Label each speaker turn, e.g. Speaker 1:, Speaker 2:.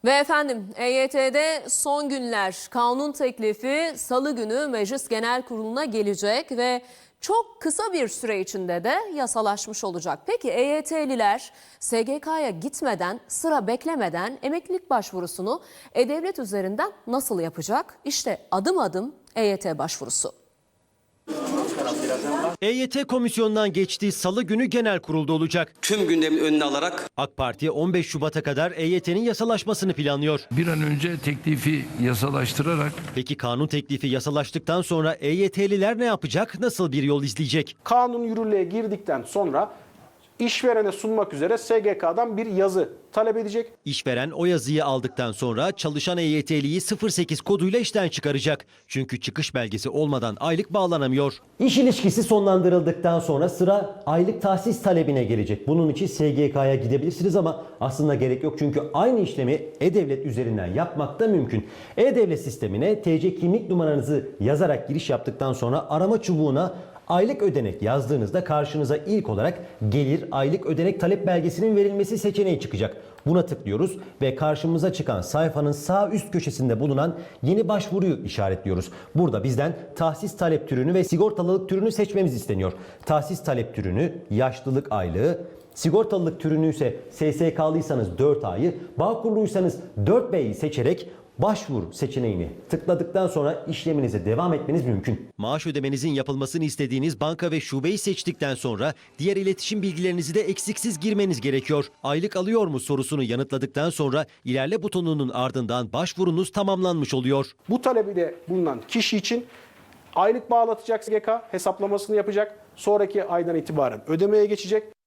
Speaker 1: Ve efendim EYT'de son günler kanun teklifi Salı günü Meclis Genel Kurulu'na gelecek ve çok kısa bir süre içinde de yasalaşmış olacak. Peki EYT'liler SGK'ya gitmeden, sıra beklemeden emeklilik başvurusunu E-Devlet üzerinden nasıl yapacak? İşte adım adım EYT başvurusu.
Speaker 2: EYT komisyonundan geçtiği Salı günü genel kurulda olacak.
Speaker 3: Tüm gündemin önüne alarak
Speaker 2: AK Parti 15 Şubat'a kadar EYT'nin yasalaşmasını planlıyor.
Speaker 4: Bir an önce teklifi yasalaştırarak
Speaker 2: Peki kanun teklifi yasalaştıktan sonra EYT'liler ne yapacak? Nasıl bir yol izleyecek?
Speaker 5: Kanun yürürlüğe girdikten sonra işverene sunmak üzere SGK'dan bir yazı talep edecek.
Speaker 2: İşveren o yazıyı aldıktan sonra çalışan EYT'liyi 08 koduyla işten çıkaracak. Çünkü çıkış belgesi olmadan aylık bağlanamıyor. İş ilişkisi sonlandırıldıktan sonra sıra aylık tahsis talebine gelecek. Bunun için SGK'ya gidebilirsiniz ama aslında gerek yok. Çünkü aynı işlemi E-Devlet üzerinden yapmak da mümkün. E-Devlet sistemine TC kimlik numaranızı yazarak giriş yaptıktan sonra arama çubuğuna aylık ödenek yazdığınızda karşınıza ilk olarak gelir aylık ödenek talep belgesinin verilmesi seçeneği çıkacak. Buna tıklıyoruz ve karşımıza çıkan sayfanın sağ üst köşesinde bulunan yeni başvuruyu işaretliyoruz. Burada bizden tahsis talep türünü ve sigortalılık türünü seçmemiz isteniyor. Tahsis talep türünü yaşlılık aylığı, sigortalılık türünü ise SSK'lıysanız 4 ayı, Bağkurluysanız 4B'yi seçerek başvur seçeneğini tıkladıktan sonra işleminize devam etmeniz mümkün. Maaş ödemenizin yapılmasını istediğiniz banka ve şubeyi seçtikten sonra diğer iletişim bilgilerinizi de eksiksiz girmeniz gerekiyor. Aylık alıyor mu sorusunu yanıtladıktan sonra ilerle butonunun ardından başvurunuz tamamlanmış oluyor.
Speaker 5: Bu talebi de bulunan kişi için aylık bağlatacak SGK, hesaplamasını yapacak. Sonraki aydan itibaren ödemeye geçecek.